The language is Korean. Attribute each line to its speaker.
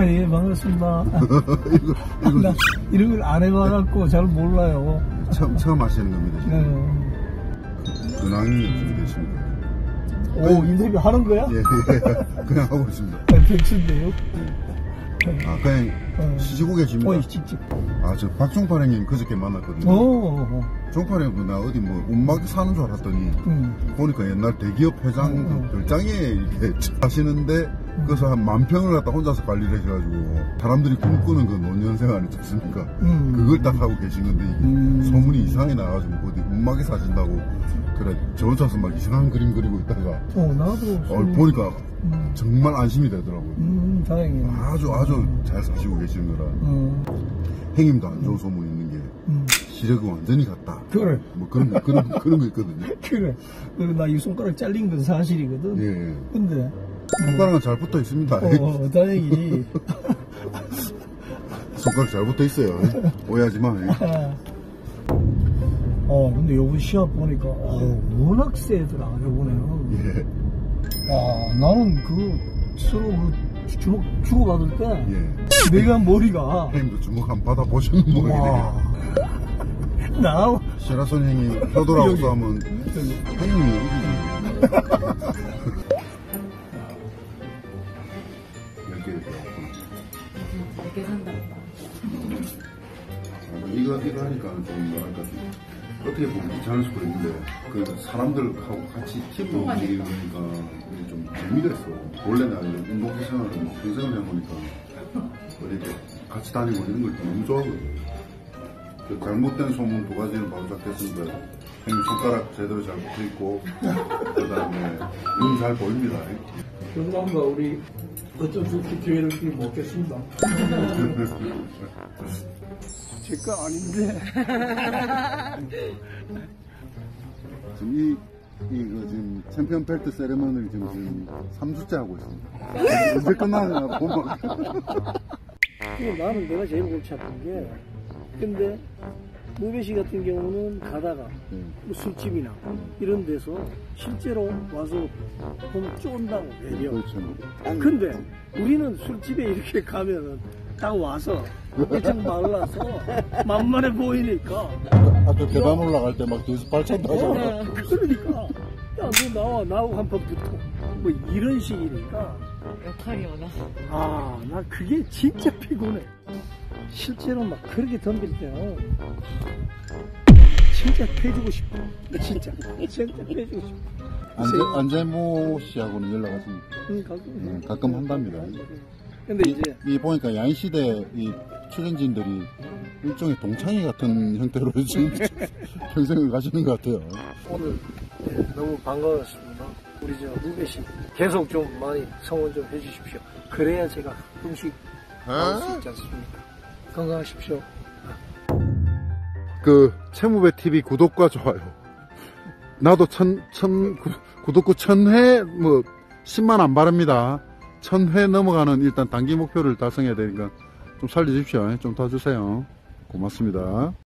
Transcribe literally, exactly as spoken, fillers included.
Speaker 1: 아, 예, 반갑습니다. 이거, 이거 나 이런 걸 안 해봐갖고 잘 몰라요.
Speaker 2: 처음, 처음 하시는 겁니다, 지금.
Speaker 1: 네.
Speaker 2: 근황이 어떻게 되십니까?
Speaker 1: 오, 인터뷰 하는 거야?
Speaker 2: 예, 예. 그냥 하고 있습니다.
Speaker 1: 백수인데요?
Speaker 2: 아, 그냥
Speaker 1: 어.
Speaker 2: 쉬시고 계십니까?
Speaker 1: 어, 직접.
Speaker 2: 아, 저 박종팔 형님 그저께 만났거든요.
Speaker 1: 오,
Speaker 2: 종팔 형님 나 어디 뭐 운막 사는 줄 알았더니
Speaker 1: 음.
Speaker 2: 보니까 옛날 대기업 회장
Speaker 1: 음.
Speaker 2: 별장에 이렇게 하시는데 그래서 한 만 평을 갖다 혼자서 관리를 해가지고 사람들이 꿈꾸는 그 노년 생활 있지 않습니까?
Speaker 1: 음.
Speaker 2: 그걸 딱 하고 계신 건데 이게
Speaker 1: 음.
Speaker 2: 소문이 이상하게 나가지고 어디 운막에 사신다고 그래 저 혼자서 막 이상한 그림 그리고 있다가
Speaker 1: 어, 나도.
Speaker 2: 어, 보니까
Speaker 1: 음.
Speaker 2: 정말 안심이 되더라고요.
Speaker 1: 음, 다행이네.
Speaker 2: 아주 아주 잘 사시고 계시는 거라.
Speaker 1: 음.
Speaker 2: 형님도 안 좋은 소문 있는 게
Speaker 1: 음.
Speaker 2: 시력은 완전히 같다.
Speaker 1: 그래.
Speaker 2: 뭐 그런 거, 그런 그런 거 있거든요.
Speaker 1: 그래. 그리고 나 이 손가락 잘린 건 사실이거든.
Speaker 2: 예.
Speaker 1: 근데.
Speaker 2: 손가락은 잘 붙어 있습니다.
Speaker 1: 어, 어, 다행이지.
Speaker 2: 손가락 잘 붙어 있어요. 오해하지 마.
Speaker 1: 어, 근데 요번 시합 보니까, 어, 워낙 세더라, 요번에는.
Speaker 2: 예.
Speaker 1: 아, 나는 그, 서로 그, 주먹 주고받을 때,
Speaker 2: 예.
Speaker 1: 내가 머리가,
Speaker 2: 형님도 주먹 한 받아 보시는 모양이네요.
Speaker 1: 나,
Speaker 2: 시라손 형이 효도라고 싸우면 형님이 이렇게 이렇게
Speaker 3: 이렇게 산다.
Speaker 2: 이거 이거 하니까 좀 뭐랄까 좀 어떻게 보면 귀찮을 수도 있는데 그 사람들하고 같이 팀으로 움직이는 거니까 이게 좀 재미가 있어. 원래 나 이런 운동 생활을 막 평생을 해보니까 어디 같이 다니고 이런 걸 너무 좋아하거든. 그 잘못된 소문 두 가지는 바로 잡혔습니다. 형님 손가락 제대로 잘 붙어있고 그 다음에 눈 잘 보입니다.
Speaker 1: 그런가 우리 어쩔 수 없이 기회를 좀 먹겠습니다. 제 거 아닌데.
Speaker 2: 지금 이, 이, 그 지금 챔피언 벨트 세레머니를 지금, 지금 삼 주째 하고 있습니다. 언제 끝나냐, 보면.
Speaker 1: 나는 내가 제일 골치 아픈 게, 근데, 무배씨 같은 경우는 가다가, 뭐 술집이나, 이런 데서 실제로 와서 보면 쫀다고 내려.
Speaker 2: 그렇죠.
Speaker 1: 근데, 우리는 술집에 이렇게 가면은, 딱 와서, 엄청 말라서, 만만해 보이니까.
Speaker 2: 아까 계단 올라갈 때 막 뒤에서 발찬다 하잖아.
Speaker 1: 어, 그러니까. 야, 너 나와, 나하고 한 번 붙어. 뭐, 이런 식이니까.
Speaker 3: 역할이 워낙.
Speaker 1: 아, 나 그게 진짜 피곤해. 실제로 막 그렇게 덤빌 때는 진짜 패주고 싶어. 진짜. 진짜 패주고 싶어.
Speaker 2: 안재, 안재모 씨하고는 연락하십니까?
Speaker 1: 응, 가끔.
Speaker 2: 음, 가끔 한답니다.
Speaker 1: 근데
Speaker 2: 이,
Speaker 1: 이제.
Speaker 2: 이 보니까 야인시대 이 출연진들이 일종의 동창회 같은 형태로 지금 평생을 가시는 것 같아요.
Speaker 1: 오늘 네, 너무 반가웠습니다. 우리 저 무배씨 계속 좀 많이 성원 좀 해주십시오. 그래야 제가 가끔씩 나올 수 있지 않습니까? 건강하십시오.
Speaker 2: 그 채무배 티비 구독과 좋아요. 나도 천, 천, 구, 구독구 천 회, 뭐, 십만 안 바랍니다. 천 회 넘어가는 일단 단기 목표를 달성해야 되니까 좀 살려주십시오. 좀 도와주세요. 고맙습니다.